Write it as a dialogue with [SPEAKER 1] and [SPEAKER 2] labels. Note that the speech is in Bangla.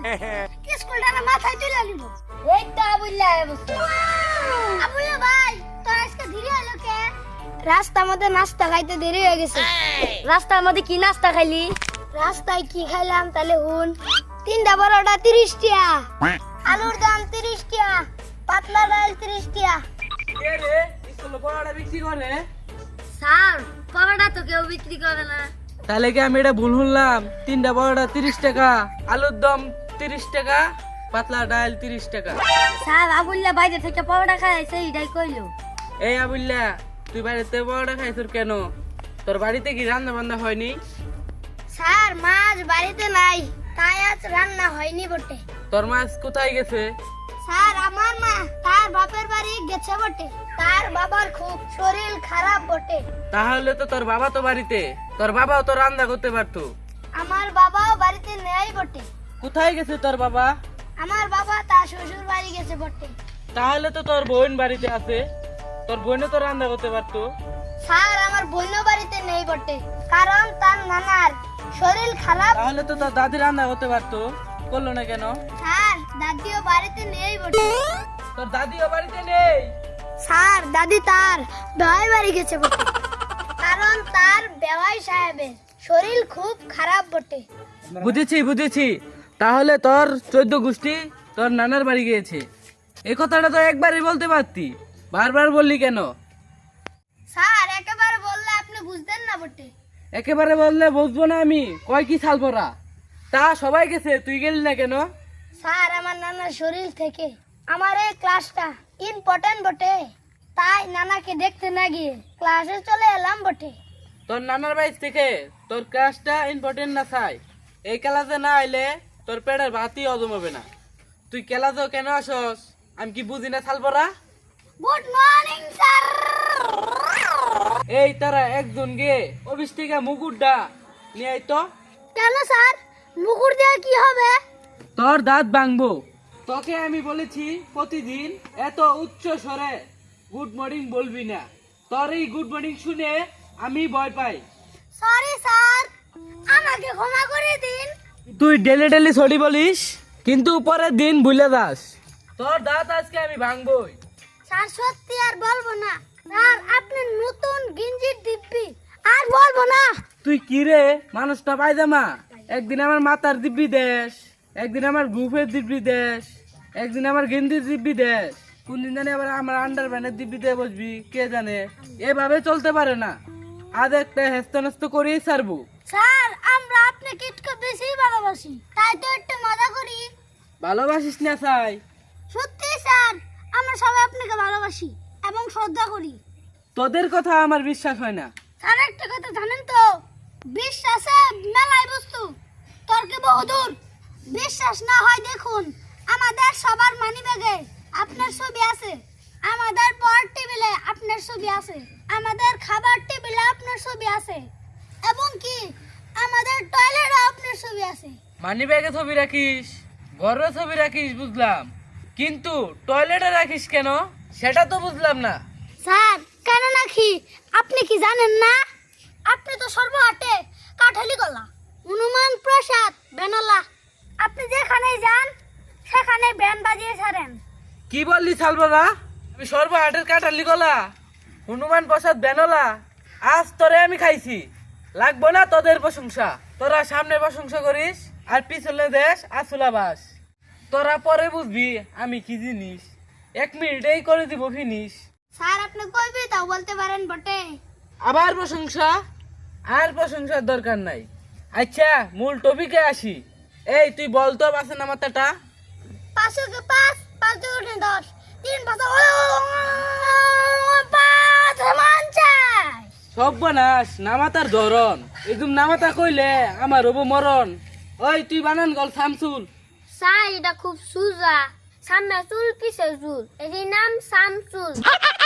[SPEAKER 1] স্কুলটা না মাথায় তুলে নিব। এই তো আবুল্লাহ বসে। আবুল্লাহ ভাই, তো আজকে দেরি হলো কে? রাস্তার মধ্যে নাস্তা খাইতে দেরি হয়ে গেছে। রাস্তার মধ্যে কি নাস্তা খাইলি? রাস্তায় কি খাইলাম তাহলে হুন। 3টা বড়টা 30 টাকা, আলুর দাম 30 টাকা, পাতলা ডাল 30 টাকা।
[SPEAKER 2] কে রে স্কুলে পড়াটা বিক্রি করে?
[SPEAKER 1] স্যার, পরোটা তো কেউ বিক্রি করে না।
[SPEAKER 2] তাহলে কি আমি এটা ভুল শুনলাম? 3টা বড়টা 30 টাকা, আলুর দম 30 টাকা, পাতলা ডাল 30 টাকা।
[SPEAKER 1] স্যার, আবুল্লাহ বাইরে থেকে পরোটা খাইছে, এইটাই কইলো।
[SPEAKER 2] এই আবুল্লা, তুই বাড়িতে বড়টা খাইছিস কেন? তোর বাড়িতে কি রান্না বান্না হয়নি?
[SPEAKER 1] স্যার, মাছ বাড়িতে নাই, তাই আজ রান্না হয়নি বটে।
[SPEAKER 2] তোর মাছ কোথায় গেছে?
[SPEAKER 1] স্যার, আমার মা তার বাপের বাড়ি গেছে বটে। তার বাবার খুব শরীর খারাপ বটে।
[SPEAKER 2] তাহলে তো তোর বাবা তো বাড়িতে, তোর বাবাও তো রান্না করতে পারতো।
[SPEAKER 1] আমার বাবাও বাড়িতে নেই বটে।
[SPEAKER 2] কোথায় গেছে তোর বাবা?
[SPEAKER 1] আমার বাবা তার শ্বশুর বাড়ি গেছে বটে।
[SPEAKER 2] তাহলে তো তোর বোন বাড়িতে আছে, তোর বোনও তো রান্না করতে পারতো।
[SPEAKER 1] স্যার, আমার বোনও বাড়িতে নেই বটে, কারণ তার নানার শরীর খারাপ।
[SPEAKER 2] তাহলে তো তোর দাদি রান্না করতে পারতো, করলো না কেন?
[SPEAKER 1] স্যার, দাদিও বাড়িতে নেই বটে।
[SPEAKER 2] তোর দাদিও বাড়িতে নেই?
[SPEAKER 1] স্যার, দাদি তার বেওয়াই বাড়ি গেছে বটে, কারণ তার বেওয়াই সাহেবের শরীর খুব খারাপ বটে।
[SPEAKER 2] বুঝেছি বুঝেছি, তাহলে তোর 14 গোষ্ঠী তোর নানার বাড়ি গিয়েছে। এই কথাটা তো একবারই বলতে পারতি, বারবার বললি কেন?
[SPEAKER 1] স্যার, একেবারে বললে আপনি বুঝতেন না বটে।
[SPEAKER 2] একেবারে বললে বুঝবো না আমি? কয় কি সালপরা? তা সবাই গেছে, তুই গেলি না কেন?
[SPEAKER 1] স্যার, আমার নানার শরীর থেকে আমার এই ক্লাসটা ইম্পর্টেন্ট বটে, তাই নানাকে দেখতে না গিয়ে ক্লাসে চলে এলাম বটে।
[SPEAKER 2] তোর নানার বাড়ি থেকে তোর ক্লাসটা ইম্পর্টেন্ট না চাই, এই ক্লাসে না আইলে তোর পেটের ভাতই হজম হবে না। তুই ক্লাসেও কেন আসস আমি কি বুঝি না সালপরা?
[SPEAKER 1] Good morning sir.
[SPEAKER 2] এই তারা একজন গে অফিস থেকে মুকুটটা নিয়ে আয় তো।
[SPEAKER 1] কেন স্যার, মুকুর দিয়ে কি হবে?
[SPEAKER 2] তোর দাঁত ভাঙবো। তোকে আমি বলেছি প্রতিদিন এত উচ্চ স্বরে গুড মর্নিং বলবি না। তোর এই গুড মর্নিং শুনে আমি ভয় পাই।
[SPEAKER 1] সরি স্যার, আমাকে ক্ষমা করে দিন।
[SPEAKER 2] তুই ডেলি ডেলি সরি বলিস, কিন্তু পরের দিন ভুলে যাস। তোর দাঁত আজকে আমি ভাঙবই।
[SPEAKER 1] স্যার, সত্যি আর বলবো না। স্যার, আপনি নতুন গিঞ্জির দিব্যি আর বলবো না।
[SPEAKER 2] তুই কি রে মানুষটা পায়জামা? একদিন আমার মাথার দিব্যি দেশ, একদিন আমার গ্রুপের দিব্যি দেশ, একদিন আমার গেন্দির দিব্যি দেশ, কোন দিন জানি আবার আমার আন্ডার প্যান্টের দিব্যি দিয়ে বসবি, কে জানে। এভাবে চলতে পারে না, আজ একটা হেস্তনস্ত করেই ছাড়বো।
[SPEAKER 1] স্যার, আমরা আপনাকে একটু বেশি ভালোবাসি, তাই তো একটু মজা করি।
[SPEAKER 2] ভালোবাসিস না চাই?
[SPEAKER 1] সত্যি স্যার, আমরা সবাই আপনাকে ভালোবাসি এবং শ্রদ্ধা করি।
[SPEAKER 2] তোদের কথা আমার বিশ্বাস হয় না।
[SPEAKER 1] স্যার, একটা কথা জানেন তো, বিশ্বাসে মেলায় বস্তু, তর্কে বহুদূর। বিশ্বাস না হয় দেখুন, আমাদের সবার মানিব্যাগে আপনার ছবি আছে, আমাদের পড়ার টেবিলে আপনার ছবি আছে, আমাদের খাবার টেবিলে আপনার ছবি আছে, এবং কি আমাদের টয়লেটে আপনার ছবি আছে।
[SPEAKER 2] মানি ব্যাগে ছবি রাখিস, ঘরে ছবি রাখিস বুঝলাম, কিন্তু টয়লেটে রাখিস কেন সেটা তো বুঝলাম না।
[SPEAKER 1] স্যার, কেন নাকি আপনি কি জানেন না? আপনি তো সর্বহাটে কাঠালি গলা, হনুমান প্রসাদ বেনলা, আপনি যেখানে যান সেখানে ব্যান্ড বাজিয়ে ছাড়েন।
[SPEAKER 2] কি বললি সালবারা? আমি সর্বহাটের কাটালি গলা, হনুমান প্রসাদ বেনলা, আজ তোরে আমি খাইছি। লাগবো না তোদের প্রশংসা, তোরা সামনে প্রশংসা করিস আর পিছনে দেশ আসুলাবাস। তোরা পরে বুঝবি আমি কি জিনিস, 1 মিনিটেই করে দিব ফিনিশ।
[SPEAKER 1] স্যার, আপনি কইবি তাও বলতে পারেন বটে।
[SPEAKER 2] আবার প্রশংসা? আর প্রশংসার দরকার নাই। আচ্ছা, মূল টপিকে আসি। এই তুই বলতো বাসে নামাতাটা?
[SPEAKER 1] 500 কে 5, 5 দুগুণে 10, 3 5 মান চাই।
[SPEAKER 2] সব বানাস নামাতার ধরন, এরকম নামাতা কইলে আমার হবো মরণ। ওই তুই বানান গল শামসুল।
[SPEAKER 1] স্যার, এটা খুব সুজা, সামনে চুল পিছে চুল, এর নাম শামসুল।